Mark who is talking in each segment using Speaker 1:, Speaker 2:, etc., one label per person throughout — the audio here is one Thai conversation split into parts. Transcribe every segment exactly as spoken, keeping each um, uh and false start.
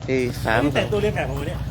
Speaker 1: ที่สาม
Speaker 2: แต่งตัวเรียนแบบผมเนี่ย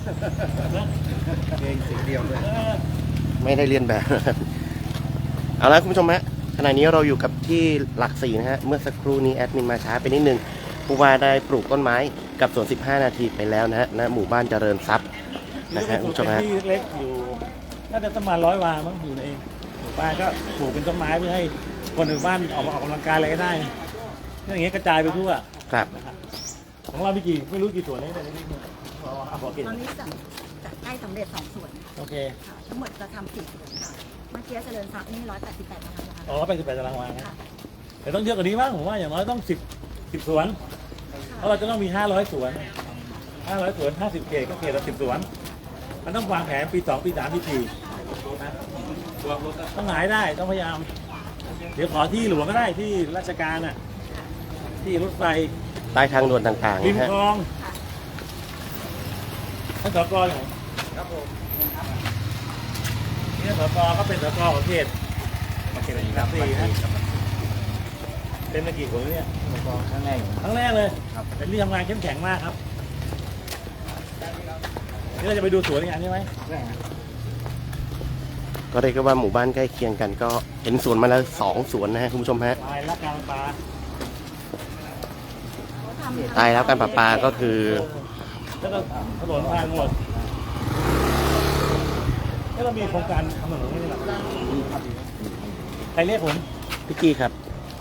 Speaker 3: เองสีเดียวด้วย
Speaker 1: ไม่ได้เรียนแบบ เอาละคุณผู้ชมฮะขณะนี้เราอยู่กับที่หลักสี่นะฮะเมื่อสักครู่นี้แอดมินมาช้าไปนิดนึงผู้ว่าได้ปลูกต้นไม้กับสวนสิบห้านาทีไปแล้วนะฮะณหมู่บ้านเจริญทรัพย์นะฮะคุณผู้ชมฮะ
Speaker 2: ที่เล็กอยู่น่าจะประมาณร้อยวามั้งอยู่ในเองหมู่บ้านก็ปลูกเป็นต้นไม้เพื่อให้คนในบ้านออกมาออกกำลังกายอะไรก็ได้อย่างเงี้ยกระจายไปทั่ว
Speaker 1: ครับ
Speaker 2: ของเรามีกี่ไม่รู้กี่ส่วนเลยแต่นี่เอาบอกกิน
Speaker 4: ตอนนี้จัดจัดใกล้สำเร็จสองส่วน
Speaker 2: โอเค
Speaker 4: ค่ะทั้งหมดจะทำสี่ส่วนค่ะเมื่อกี้เจริญทรัพย์นี่ร้อยแปดสิบแปดตารางวา
Speaker 2: อ๋อเป็นสิบแปดตารางวานะ
Speaker 4: ค่ะ
Speaker 2: แต่ต้องเยอะกว่านี้มั้งผมว่าอย่างน้อยต้องสิบสิบสวนเพราะเราจะต้องมีห้าร้อยสวนห้าร้อยสวนห้าสิบเขตก็เขตละสิบสวนมันต้องวางแผนปีสองปีสามปีสี่นะต้องหายได้ต้องพยายามเดี๋ยวขอที่หลวงก็ได้ที่ราชการน่ะที่รถไฟ
Speaker 1: ใต้ทางด่วนต่างๆ
Speaker 2: ริม
Speaker 1: นะฮะ
Speaker 2: คลองท่านสกเหรอครับผมนี่สกก็เป็นสกของเขตเขตอะไรครับสี่ฮะเป็นมากี่คนเนี่ย
Speaker 3: ครั้งแรก
Speaker 2: ครั้งแรกเลยเป็นที่ทำงานเข้มแข็งมากครับนี่เราจะไปดูสวนงานใช่ไหม
Speaker 1: ก็เรียกได้ว่าหมู่บ้านใกล้เคียงกันก็เห็นสวนมาแล้วสองสวนนะฮะคุณผู้ชมฮะ
Speaker 2: ตายรักการปลา
Speaker 1: ตายแล้วการประปาก็คือ
Speaker 2: แล้วก็ถนนทางหมดแล้วเรามีโครงการทำถนนนี่หรอใครเรียกผม
Speaker 1: พี่กี้ครับ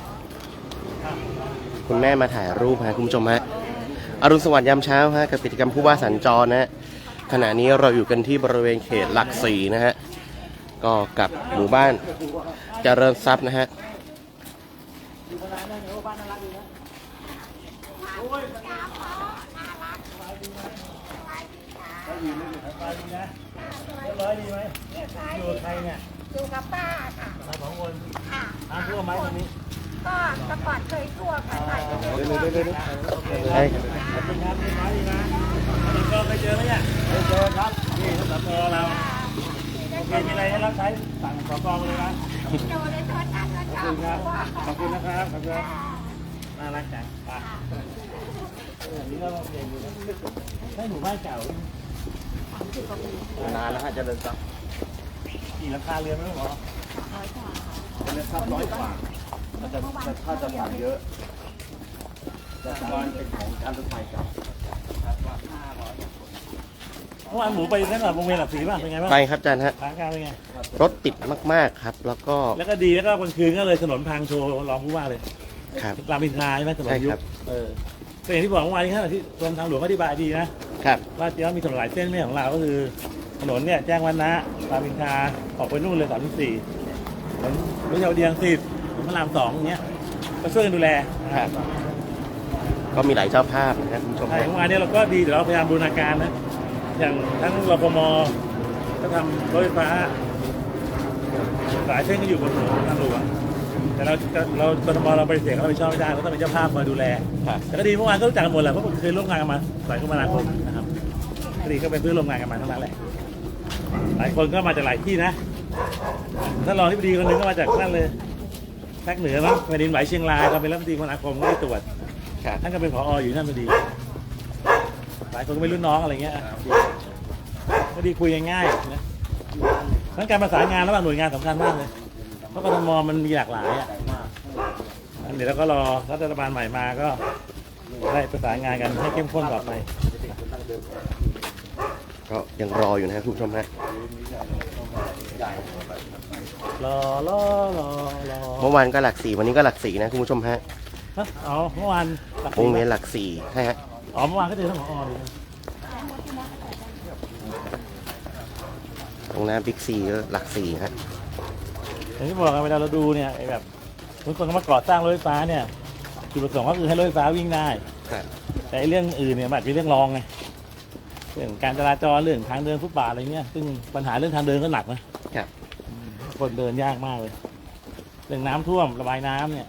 Speaker 1: คุณแม่มาถ่ายรูปฮะคุณผู้ชมฮะอรุณสวัสดิ์ยามเช้าฮะกับกิจกรรมผู้ว่าสัญจรนะฮะขณะนี้เราอยู่กันที่บริเวณเขตหลักสี่นะฮะก็กับหมู่บ้านเจริญทรัพย์นะฮะ
Speaker 2: อยู่มานานแล้วเนี่ยว่าบ้านน่ารักดีนะโอ้ยสบายดีนะสบายดีนะเรียบร้อยดีไหมอยู่กับใครเนี่ย
Speaker 4: อยู่กับป้าค่ะ
Speaker 2: มาสองคน
Speaker 4: ค่ะ
Speaker 2: น้ำท่วมไหมตรงนี้
Speaker 4: ก็แต่ก่อนเคยทั่วค่ะถ่ายก็เคยทั่ว
Speaker 2: โอเคขอบคุณครับเรียบร้อยดีนะแล้วก็ไปเจอไหมเนี่ยไปเจอครับนี่ท่านสกเราโอเคมีอะไรให้รับใช้สั่งสกมาเลยนะ
Speaker 4: ดูในโทรทัศน์ก็
Speaker 2: ข
Speaker 4: ช
Speaker 2: อบ
Speaker 4: อบ
Speaker 2: คุณครับ ขอบคุณนะครับ ขอบคุณน่ารักจังไปเออนี่ก็โอเคอยู่นะให้หมู่บ้านเก่าน
Speaker 3: านแล้วฮะเจริญทรัพย์
Speaker 2: กี่ราคาเรือนไม่รู้หรอ
Speaker 3: เจริญทรัพย์ร้อยกว่าถ้าจะถ้าจะผ่านเยอะแต่ตอนเป็นของการรถไฟเก่า
Speaker 2: เมื่อวานหมูไปนั่นหรอวงเวียนหลักสีป่ะ เป็นไงบ้าง
Speaker 1: ไปครับอาจารย์ฮะ
Speaker 2: ทางการเป็นไง
Speaker 1: รถติดมากๆครับ แล้วก็
Speaker 2: แล้วก็ดีแล้วก็กลางคืนก็เลยถนนพังโชว์รองผู้ว่าเลย
Speaker 1: ครับ
Speaker 2: รามอินทราใช่ไหมถนนยุ
Speaker 1: ใช่ครับ บ
Speaker 2: เออก็อย่างที่บอกเมื่อวานนี้ครับที่กรมทางหลวงก็อธิบายดีนะครับ ว่าจริงๆมีถนนหลายเส้นไม่ใช่ของเราก็คือถนนเนี่ยแจ้งวัฒนะรามอินทราออกไปนู่นเลยสามสิบสี่ถนนวิชาวดีรังสิตถนนพระรามสองอย่างเงี้ยก็ช่วยกันดูแลนะครับ
Speaker 1: ก็มีหลายเจ้าภาพนะครับคุณผู้ชม
Speaker 2: ใช่
Speaker 1: ฮะ
Speaker 2: เมื่อวานเนี้เราก็ดีแต่เราพยายามบูรณาการนะอย่างทั้งรพมก็ทำรถไฟฟ้าหลายเส้นก็อยู่บนถนนทางหลวงแต่เราเรากทมเราปฏิเสธเขาไม่ชอบไม่ได้เราต้องเป็นเจ้าภาพมาดูแล
Speaker 1: ครับ
Speaker 2: แต่ก็ดีเมื่อวานก็รู้จักกันหมดแหละเพราะเคยร่วมงานกันมาสายคมนาคมนะครับก็ดีก็เป็นเพื่อนร่วมงานกันมาทั้งนั้นแหละหลายคนก็มาจากหลายที่นะท่านรองที่ปดีคนหนึงก็มาจากนั่นเลยภาคเหนือมั้งแผ่นดินไหวเชียงรายก็เป็นรัฐมนตรีคมนาคมก็ได้ตรวจ
Speaker 1: ครับ
Speaker 2: ท่านก็เป็นผออยู่นั่นพอดีหลายคนก็ไม่รุ่นน้องอะไรเงี้ยก็ดีคุยง่ายๆนะทั้งการประสานงานระหว่างหน่วยงานสำคัญมากเลยเพราะกทมมันมีหลากหลายอ่ะอันเดี๋ยวเราก็รอรัฐบาลใหม่มาก็ได้ประสานงานกันให้เข้มข้นต่อไป
Speaker 1: ก็ยังรออยู่นะครับคุณผู้ชมฮะ
Speaker 2: รอรอรอรอ
Speaker 1: เมื่อวานก็หลักสี่วันนี้ก็หลักสี่นะคุณผู้ชมฮะ
Speaker 2: ฮะอ๋อเมื่อวานหลัก
Speaker 1: ว
Speaker 2: สี่
Speaker 1: งเวียนหลักสี่ใช่ฮะ
Speaker 2: อ๋อเมื่อวานก็เจอท่านผอเลยนะ
Speaker 1: ตรงหน้าบิ๊กซีก็หลักสี่ฮะ
Speaker 2: อย่างที่บอกกันเวลาเราดูเนี่ยไอ้แบบบางคนเขามาก่อสร้างรถไฟฟ้าเนี่ยจุดประสงค์ก็คือให้รถไฟฟ้าวิ่งได้
Speaker 1: ครับ
Speaker 2: แต่ไอ้เรื่องอื่นเนี่ยมันอาจจะเป็นเรื่องรองไงเรื่องการจราจรเรื่องทางเดินฟุตบาทอะไรเงี้ยซึ่งปัญหาเรื่องทางเดินก็หนักนะครับ คนเดินยากมากเลยเรื่องน้ำท่วมระบายน้ำเนี่ย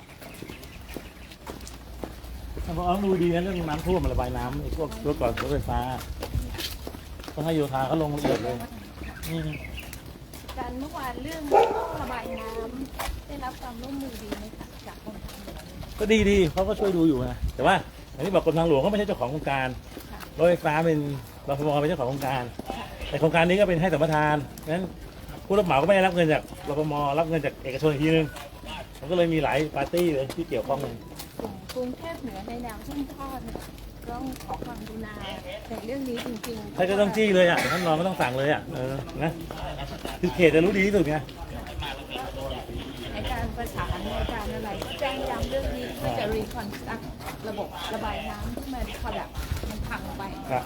Speaker 2: ท่านผอต้องดูดีนะเรื่องน้ำท่วมระบายน้ำไอ้พวกรถก่อนรถไฟฟ้าต้องให้โยธาเขาลงละเอียดเลยนี่
Speaker 4: การเมื่อวานเรื่องระบายน้ำได้รับความร่วมมือดีไหมคะจากกรมทางหลวง
Speaker 2: ก็ดีดีเขาก็ช่วยดูอยู่นะแต่ว่าอย่างที่บอกกรมทางหลวงเขาไม่ใช่เจ้าของโครงการรถไฟฟ้าเป็นรฟมเป็นเจ้าของโครงการแต่โครงการนี้ก็เป็นให้สัมปทานนั้นผู้รับเหมาก็ไม่ได้รับเงินจากรฟมรับเงินจากเอกชนอีกทีนึงมันก็เลยมีหลายปาร์ตี้เลยที่เกี่ยวข้องเลย
Speaker 4: กรุงเทพเหนือในแนวทุ่งทอดเนี่ยต้องขอความกรุณาในเรื่องนี้จริงๆ
Speaker 2: ถ้าจะต้องจี้เลยอ่ะท่านรองก็ต้องสั่งเลยอ่ะเออนะคือเขตจะรู้ดีที่สุดไง
Speaker 4: ในการประสานในการอะไรแจ้งย้ำเรื่องนี้เพื่อจะรีคอนสตรักระบบระบายน้ำที่มันพอแบบมันพังไป
Speaker 2: ครับ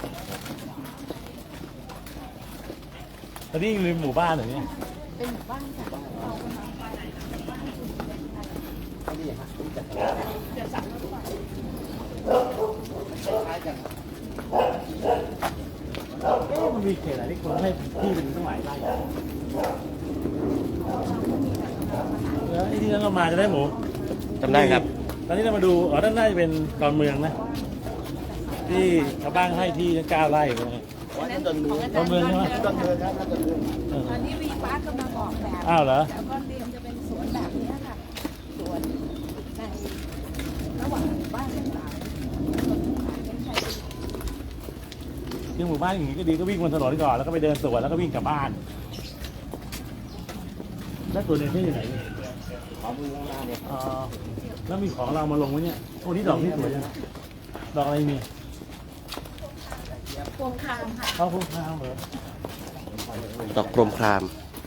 Speaker 2: ตอนนี้อยู่ในหมู่บ้านเหรอเนี่ย
Speaker 4: เป็นหมู่บ้านค่ะเรากำลังไปบ้านชุมชนจะสั่งรถไฟ
Speaker 2: เอ๊ะมันมีเขตอะไรที่คนให้ที่เป็นตั้งหลายไร่อะแล้วไอ้ที่นั่นเรามาจะได้หมู
Speaker 1: จำได้ครับ
Speaker 2: ตอนนี้เรามาดูอ๋อด้านหน้าจะเป็นดอนเมืองนะที่ชาวบ้านให้ที่เก้าไร่เลย
Speaker 4: นั้นของอาจารย์
Speaker 2: ดอนเมืองใช่ไหม
Speaker 3: ต้นเดินครับต้นเดิน
Speaker 2: เออ
Speaker 4: ตอนนี้วีฟ้ากำลังออกแบบ
Speaker 2: อ้าวเหรอ
Speaker 4: แล้วก็เตรียมจะเป็นสวนแบบนี้ค่ะสวนในระหว่างหมู่บ้านต่างๆสวนขายเป็นไทย
Speaker 2: ที่หมู่บ้านอย่างนี้ก็ดีก็วิ่งบนถนนก่อนแล้วก็ไปเดินสวนแล้วก็วิ่งกลับบ้านแล้วตัวนี้ที่อยู่ไหนเนี่ย
Speaker 3: ขอมือข้างล่างเนี่ย
Speaker 2: อ๋อแล้วมีของเรามาลงไว้เนี่ยโอ้นี่ดอกนี่สวยจังดอกอะไรมี
Speaker 4: พวงคามค่ะ
Speaker 2: เข้าพุ่งข้าวเหรอ
Speaker 1: ดอกกรมคราม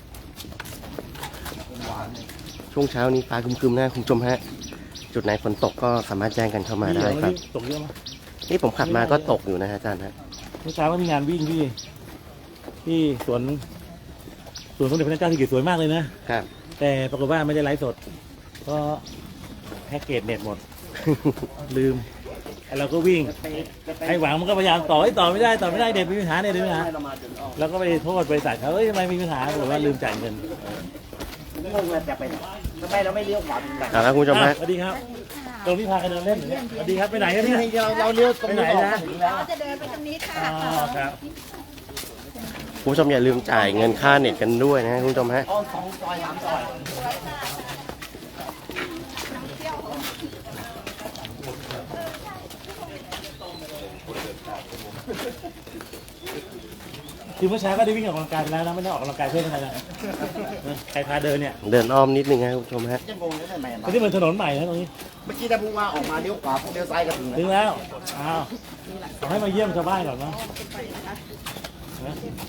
Speaker 1: ช่วงเช้านี้ฟ้าครึมๆนะคุณผู้ชมฮะ จุดไหนฝนตกก็สามารถแจ้งกันเข้ามาได้ครับ
Speaker 2: ตกเยอะไหม
Speaker 1: นี่ผมขับมาก็ตกอยู่นะฮะอาจารย์ฮะ
Speaker 2: เมื่อเช้าก็มีงานวิ่งที่ที่สวนสวนสมเด็จพระนางเจ้าสิริกิติ์สวยมากเลยนะครับ แต่ปรากฏว่าไม่ได้ไลฟ์สดเพราะแพ็กเกจเน็ตหมด ลืมไอ้เราก็วิ่งไอ้หวังมันก็พยายามต่อไอ้ต่อไม่ได้ต่อไม่ได้เด็ดมีปัญหาเด็ดมีปัญหา
Speaker 3: ให้เรามาจนออก
Speaker 2: แล้วก็ไปโทษบริษัทเขาเอ้ยทำไมมีปัญหาบอกว่าลืมจ่ายเงิน
Speaker 3: งงเลยจะไปไหนทำไมเราไม่เลี้ยวขวาเป็นแบบ
Speaker 1: เอาละคุณผู้ชม
Speaker 2: อ่ะ
Speaker 1: ฮะ
Speaker 2: สวัสดีครับตรงที่พากันเดินเล่นอยู่เนี่ยสวัสดีครับไปไหนกันเนี่ย
Speaker 3: เราเราเลี้ยวตรง
Speaker 2: ไปไหน
Speaker 3: นี้ออก
Speaker 2: นะ
Speaker 3: ถึงแล้ว
Speaker 4: เราจะเดินไปตรงนี้ค่ะ
Speaker 2: อ๋อครับ
Speaker 1: คุณผู้ชมอย่าลืมจ่ายเงินค่าเน็ตกันด้วยนะฮะคุณผู้ชมฮะ
Speaker 3: อ้อมสองซอยสามซอย
Speaker 2: คือเมื่อเช้าก็ได้วิ่งออกกำลังกายไปแล้วนะไม่ได้ออกกำลังกายเพื่ออะไรนะใครพาเดินเนี่ย
Speaker 1: เดินอ้อมนิดนึงฮะคุณผู้ชมฮะ
Speaker 3: จะงงเลยทำไม
Speaker 2: ตรงนี้เหมือนถนนใหม่นะตรงนี้
Speaker 3: เมื่อกี้ถ้าพูดว่าออกมาเลี้ยวขวาพวกเลี้ยวซ้ายก็ถึง
Speaker 2: ถึง
Speaker 3: แล้ว
Speaker 2: แล้วอ้าวขอให้มาเยี่ยมชาวบ้านก่อนนะนะ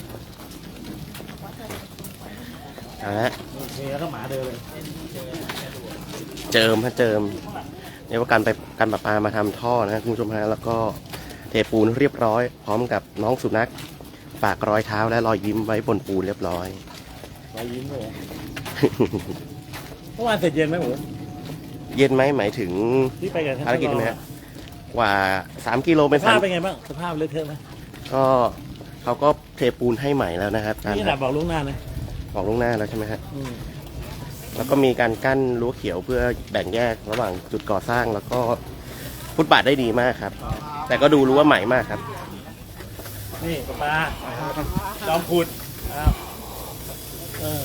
Speaker 1: เอาละ
Speaker 2: โอเคแล้วก็หมาเดินเลย
Speaker 1: เจิมฮะเจิมเรียกว่าการไปการประปามาทำท่อนะฮะคุณผู้ชมฮะแล้วก็เทปูนเรียบร้อย พร้อมกับน้องสุนัขฝากรอยเท้าและรอยยิ้มไว้บนปูนเรียบร้อย
Speaker 2: รอยยิ้มเลยเมื่อวานเสร็จเย็นไหมหมู
Speaker 1: เย็นไหมหมายถึง
Speaker 2: ที่ไปกับท่าน
Speaker 1: ภารกิจไหมฮะกว่าสามกิโลเป็น
Speaker 2: ส
Speaker 1: สา
Speaker 2: ภาม พเป็นไงบ้างสภาพเลอะเทอะไหม
Speaker 1: ก็เขาก็เทปูนให้ใหม่แล้วนะครับอาจาร
Speaker 2: นี่
Speaker 1: ย์
Speaker 2: ขนาดบอกล่วงหน้านะ
Speaker 1: บอกล่วงหน้าแล้วใช่ไหมฮะ
Speaker 2: อืม
Speaker 1: แล้วก็มีการกั้นรั้วเขียวเพื่อแบ่งแยกระหว่างจุดก่อสร้างแล้วก็ฟุตบาทได้ดีมากครับ แต่ก็ดูรู้ว่าใหม่มากครับ
Speaker 2: นี่ปลาปลาจอมขุดอ้าวเออ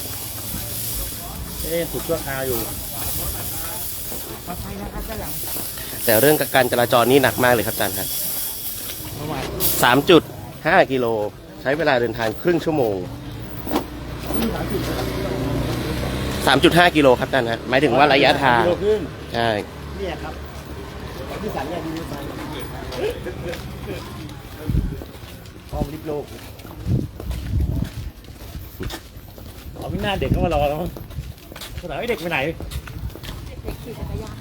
Speaker 2: เอ๊ะขุดชั่วคราวอยู่
Speaker 1: แต่เรื่องการจราจรนี่หนักมากเลยครับอาจารย์ครับ
Speaker 2: เมื่อวาน
Speaker 1: สามจุดห้ากิโลใช้เวลาเดินทางครึ่งชั่วโมงสามจุดห้ากิโลครับอาจารย์ฮะหมายถึงว่าระยะทาง
Speaker 2: กิโลครึ่ง
Speaker 1: ใช่
Speaker 3: เนี่ยครับที่สันเนี่ยที่สัน
Speaker 2: พร้อมลิฟต์โลกเอาไม่น่าเด็กเข้ามารอแล้วมั้งถามไอ้เด็กไปไหน
Speaker 4: เด็กขี่จักรยาน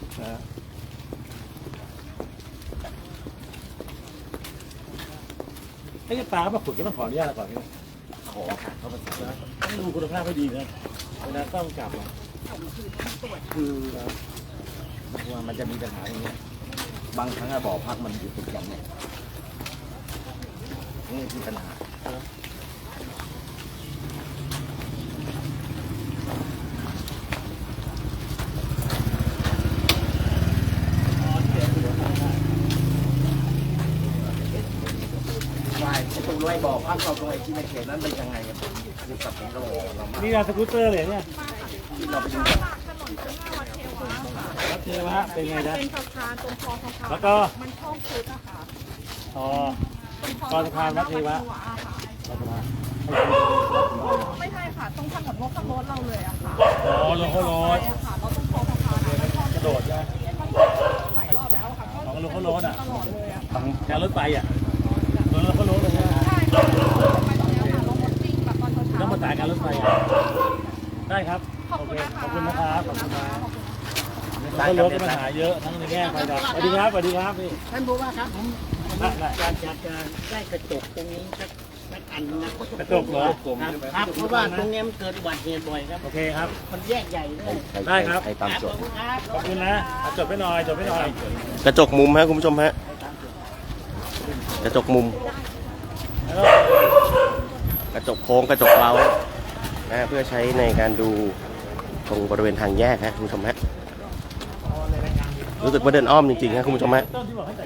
Speaker 2: ไอ้ปลาเขามาขุดก็ต้องขออนุญาตเราก่อนนี่
Speaker 3: ขอค่ะเขาเป็น
Speaker 2: ต้องดูคุณภาพให้ดีนะเวลาต้องกลับอะ
Speaker 3: คือว่ามันจะมีปัญหาอย่างเงี้ยบางครั้งอะบ่อพักมันอยู่ติดกันเนี่ยนี่คือปัญหา ใช่ไอ้ตรงรอยบ่อพักเราตรงไอ้ที่ในเขตนั้นเป็นยังไงครับคือกับผมเราเรามา
Speaker 2: นี่งานสกูตเตอร์เลยเนี่ย
Speaker 3: ที่เราไปดูกัน
Speaker 2: รัฐเทวะเป็นไงจ๊ะ
Speaker 4: เป็นสะพานตรงคลองสะพาน
Speaker 2: แล้วก็
Speaker 4: มันช่องคุดนะคะ
Speaker 2: อ๋อก่อนสะพานวัดเทวะก่อนสะพาน
Speaker 4: ไม่ใช่ค่ะตรงถนนโลกโรดเราเลยอะค่ะ
Speaker 2: อ๋อลงเขาโรด
Speaker 4: ใช่ค่ะเราต้องโทรสะพานแล้วก็
Speaker 2: กระโดดใช่ไหม
Speaker 4: หลายรอบแล้วค่ะ
Speaker 2: ของลงเขาโรดอ่ะ
Speaker 4: ตลอดเลยอะ
Speaker 2: ของการรถไฟอ่ะลงเขาโรดเลยนะ
Speaker 4: ใช่ค่ะไปตรงนี้ค่ะลงรถจริงแบบตอนเช้า
Speaker 2: ต้องมาสายการรถไฟอ่ะได้ครับ
Speaker 4: ขอบ
Speaker 2: โอ
Speaker 4: คุณ
Speaker 2: เค
Speaker 4: นะคะ
Speaker 2: ขอบคุณนะครับขอบคุณนะเขาโรดก็ปัญหาเยอะทั้งในแง่ไฟดับสวัสดีครับสวัสดีครับพี่
Speaker 5: ท่านผู้ว่าครับผม
Speaker 2: ได้ได้
Speaker 5: อยากอยากจะได้กระจกตรงนี้สักสักอันนะ
Speaker 2: กระจกเหรอ
Speaker 5: ครับครับเพราะว่าตรงนี้มันเกิดอุบัติเหตุบ่อยครับ
Speaker 2: โอเคครับ
Speaker 5: มันแยกใหญ่เลย
Speaker 2: ได้ครับ
Speaker 1: ให้ตามโจทย์
Speaker 5: ครับ
Speaker 2: ขอบคุณนะเอาจดไปหน่อยจดไปหน่อย
Speaker 1: กระจกมุมฮะคุณผู้ชมฮะกระจกมุม
Speaker 2: แล้วก็
Speaker 1: กระจกโค้งกระจกเล้านะเพื่อใช้ในการดูตรงบริเวณทางแยกฮะคุณผู้ชมฮะรู้สึกว่าเดินอ้อมจริงๆฮะคุณผู้ชมฮะ
Speaker 2: ต้นที่บอกให้ใส่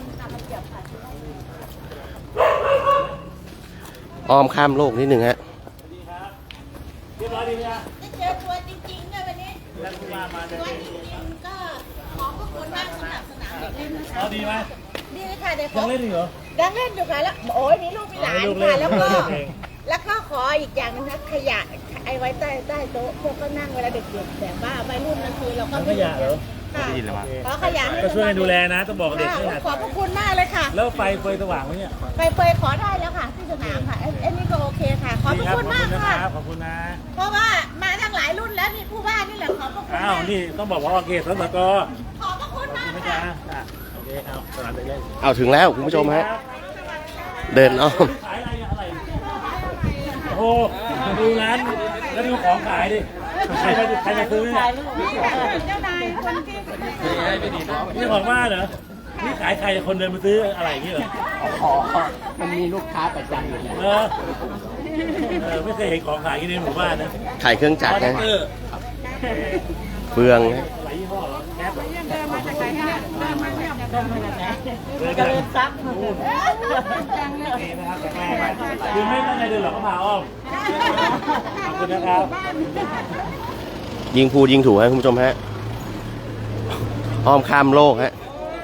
Speaker 1: อ้อมข้ามโลกนิดหนึ่งฮะ
Speaker 2: เรียบร้อยดีไหมฮะ
Speaker 6: เจอตัวจริงๆด้วยวันนี้
Speaker 2: ท่านผู้ว่ามา
Speaker 6: ตัวจริงๆก็ขอบพระคุณมากสำหรับสนามเด็กเล่นนะคะ
Speaker 2: เอาดีไหม
Speaker 6: ดีค่ะเด็ก
Speaker 2: ยังเล่นอีกเหรอ
Speaker 6: ยังเล่นอยู่ค่ะแล้วโอ้ยมีลูกมีหลาน
Speaker 2: ให้ลูก
Speaker 6: ค่ะ
Speaker 2: เล่น
Speaker 6: แล้วก็
Speaker 2: เอง
Speaker 6: แล้วก็ขออีกอย่างหนึงนะขยะไอ้ไว้ใต้ใต้โต๊ะพวกก็นั่งเวลาเด็กๆแบบว่าวัยรุ่นนั่นคือเราก็
Speaker 2: ทำขยะเหรอ
Speaker 6: ค่ะ
Speaker 2: โอเค
Speaker 6: ขอขยะให้
Speaker 2: ก็ช่วยกันดูแลนะต้องบอกเด็ก
Speaker 6: ค่ะ
Speaker 2: ด้วยนะ
Speaker 6: ขอบพระคุณมากเลยค่ะ
Speaker 2: แล้วไฟเฟยสว่างไหมเนี่ย
Speaker 6: ไปเปยขอได้แล้วค่ะที่สนามค่ะไอ้ไอ้นี่ก็โอเคค่ะ ขอบพระคุณมาก
Speaker 2: ดีรับ
Speaker 6: ค่ะ
Speaker 2: ขอบคุณนะ
Speaker 6: เพราะว่ามาทั้งหลายรุ่นแล้วนี่ผู้ว่านี่แหละขอบพระคุณ
Speaker 2: อ้าว
Speaker 6: มาก
Speaker 2: นี่ต้องบอกว่าโอเคสสก
Speaker 6: ขอบพระคุณมาก
Speaker 2: ไม่
Speaker 6: ค่ะ
Speaker 2: จ้าอ่ะโอเคเอาสนามเด็กเล่น
Speaker 1: เอาถึงแล้วคุณผู้ชมฮะเดินอ้อม
Speaker 2: ขายอะไรอะอะไรโอ้โหดูร้านแล้วดูของขายดิใครมาใครมาซื้อเนี่ย
Speaker 6: เจ้านายคนที่
Speaker 2: นี่ของบ้านเหรอนี่ขายใครคนเดินมาซื้ออะไรอย่างนี้เหรอ
Speaker 5: ขอมันมีลูกค้าประจำอยู่แล้ว
Speaker 2: เออเออไม่เคยเห็นของขายอย่างนี้ในหมู่บ้านนะ
Speaker 1: ขายเครื่องจักร
Speaker 2: คอนแท
Speaker 1: นะ
Speaker 2: คเตอร์
Speaker 1: เฟืองนะ
Speaker 2: หลายยี่ห้อเหรอแก๊ป
Speaker 6: เดินมาจากไหนเนี่ยเดินมาเนี่ย
Speaker 2: เจริญทรัพย์นี่นะครับแข็งแรงคือไม่ตั้งใจเดินหรอกก็พาอ้อมขอบคุณนะครับ
Speaker 1: ยิงพูดยิงถูกฮะคุณผู้ชมฮะอ้อมข้ามโลกฮะ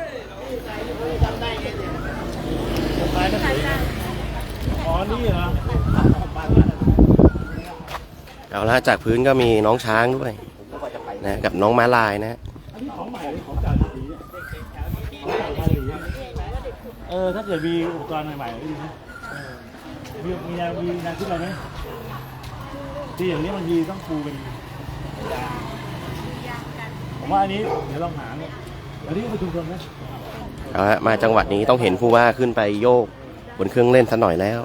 Speaker 2: อ๋อนี่เหรอ
Speaker 1: เอาละจากพื้นก็มีน้องช้างด้วยนะกับน้องม้าลายนะ
Speaker 2: อันนี้ของใหม่หรือของเก่าสีเนี่ยของเก่าสีเนี่ยเออถ้าเกิดมีอุปกรณ์ใหม่ๆก็ดีนะเออมีมีแนวมีแนวคิดอะไรไหมที่อย่างนี้บางทีต้องปูเป็นยางผมว่าอันนี้เดี๋ยวลองหาเนี่ยอันนี้ก็เป็นชุมชนนะ
Speaker 1: เอาละมาจังหวัดนี้ต้องเห็นผู้ว่าขึ้นไปโยกบนเครื่องเล่นซะหน่อยแล้ว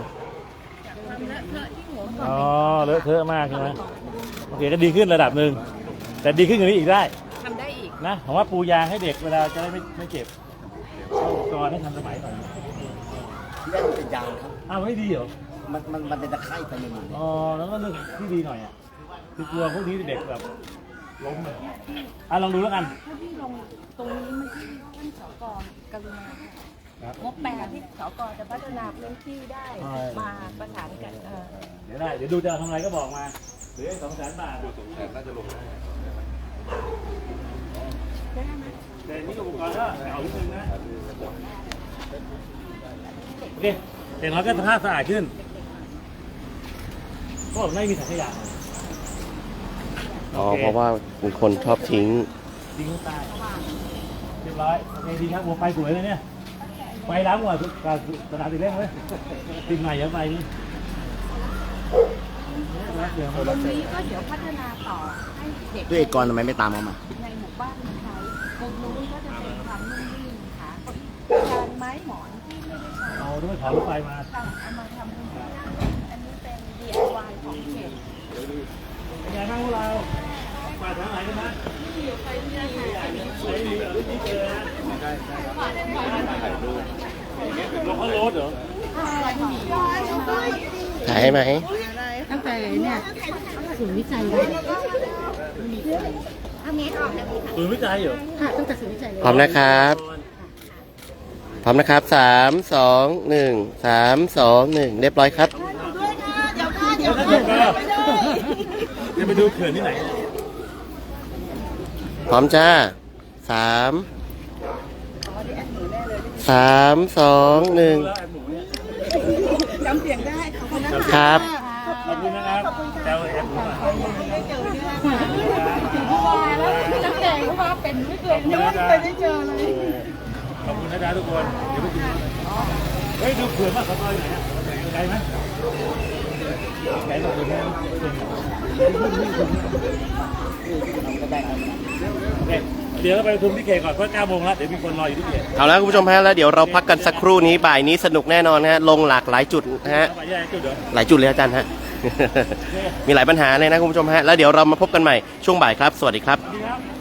Speaker 2: อ๋อเลอะเทอะมากใช่ไหมโอเคก็ดีขึ้นระดับหนึ่งแต่ดีขึ้นกว่านี้อีกได้
Speaker 4: ทำได้อีก
Speaker 2: นะผมว่าปูยางให้เด็กเวลาจะได้ไม่ไม่เจ็บเอาอุปกรณ์ให้ทันสมัยหน่อย
Speaker 5: เล่นเป็นยางครับ
Speaker 2: อ้าวไม่ดีเหรอ
Speaker 5: มันมันมันเป็นตะไคร่ไปในมัน
Speaker 2: อ๋อแล้วก็เรื่องที่ดีหน่อยอ่ะคือกลัวพวกนี้เด็กแบบล้มเลยอ่ะลองดูแล้วกัน
Speaker 4: ถ้าพี่ลงตรงนี้มันที่ท่านสกกรุณา
Speaker 2: ครับ
Speaker 4: งบแปดที่สกจะพัฒนาพื้นที่ได้
Speaker 2: ใช่
Speaker 4: มาประสานกันเออ
Speaker 2: เดี๋ยวได้เดี๋ยวดูจะเอาทำอะไรก็บอกมาเหลือสองแสนบาทดูสองแสนน่าจะลงได้แต่นี่อุปกรณ์ก็เอานิดนึงนะโอเคแต่น้อยก็สภาพสะอาดขึ้นก็ไม่มีถังขยะ
Speaker 1: อ๋อเพราะว่ามีคนชอบทิ้ง
Speaker 2: ทิ้งข้างใต้เรียบร้อยโอเคดีครับหัวไฟสวยเลยเนี่ยไฟล้ำกว่ากับสนามติดเล่นเลยติดใหม่เยอะไปนี่เดี๋ยว
Speaker 4: ตรงนี้ก็เดี๋ยวพัฒนาต่อให้เด็ก
Speaker 5: ด้วยเอกรทำไมไม่ตามเขามา
Speaker 4: ในหมู่บ้านใช้ตรงนู้นก็จะเป็นทางนุ่มนิ่มค่ะการไม้หมอนที่ไม่ได้ใช้
Speaker 2: เอาด้วยขอรถไฟมา
Speaker 4: ทำเอามาทำเป็นที่นั่งอันนี้เป็น ดี ไอ วาย ของเขต
Speaker 2: เป็นไงบ้างพวกเราป่าทางไหนกันนะไม่มีเหรอไม่เจอนะลงเขาโรดเหรอ
Speaker 1: ถ่ายให้ไหม
Speaker 7: ตั้งแต่เนี่ยศูนย์วิจัยเลย
Speaker 6: เอาเมตรออกนะพี่
Speaker 2: ศูนย์วิจัยเหรอ
Speaker 7: ค่ะตั้งแต่ศูนย์วิจัยเลย
Speaker 1: พร้อมนะครับพร้อมนะครับสามสองหนึ่งสามสองหนึ่งเรียบร้อยครับ
Speaker 6: ด้วยค่ะเดี๋ยวค่ะเดี๋ยว
Speaker 2: แล้ว
Speaker 6: ค่ะ
Speaker 2: ก็จะไปดูเขื่อนที่ไหน
Speaker 1: พร้อมจ้าสามสามสองหนึ่ง
Speaker 2: แล้วแอบหนูเนี่ย
Speaker 6: จำเสียงได้ขอบคุณนะคะ
Speaker 1: ครับ
Speaker 2: ขอบคุณนะครับแซวแอบหนูมา
Speaker 6: ได้เจอเนี่ย
Speaker 4: นักแสดงก็ว่าเป็นไม่เคย
Speaker 2: ยังไม่เคยได้เจอเลย ขอบคุณนะจ๊ะทุกคนเดี๋ยวไปกินเฮ้ยดูเผื่อมากขอต่อยหน่อยนะไกลไหมไกลกว่าเผื่อไหมเดี๋ยวเราไปประชุมที่เขตก่อนเพราะเก้าโมงแล้วเดี๋ยวมีคนรออยู่ที่เขต
Speaker 1: เอาละคุณผู้ชมฮะแล้วเดี๋ยวเราพักกันสักครู่นี้บ่ายนี้สนุกแน่นอนฮะลงหลากหลายจุดนะฮะ
Speaker 2: ไปแยกจุดเดี๋ยว
Speaker 1: หลายจุดเลยอาจารย์ฮะ มีหลายปัญหาเลยนะคุณผู้ชมฮะแล้วเดี๋ยวเรามาพบกันใหม่ช่วงบ่ายครับ สวัสดีครับ
Speaker 2: ดีครับ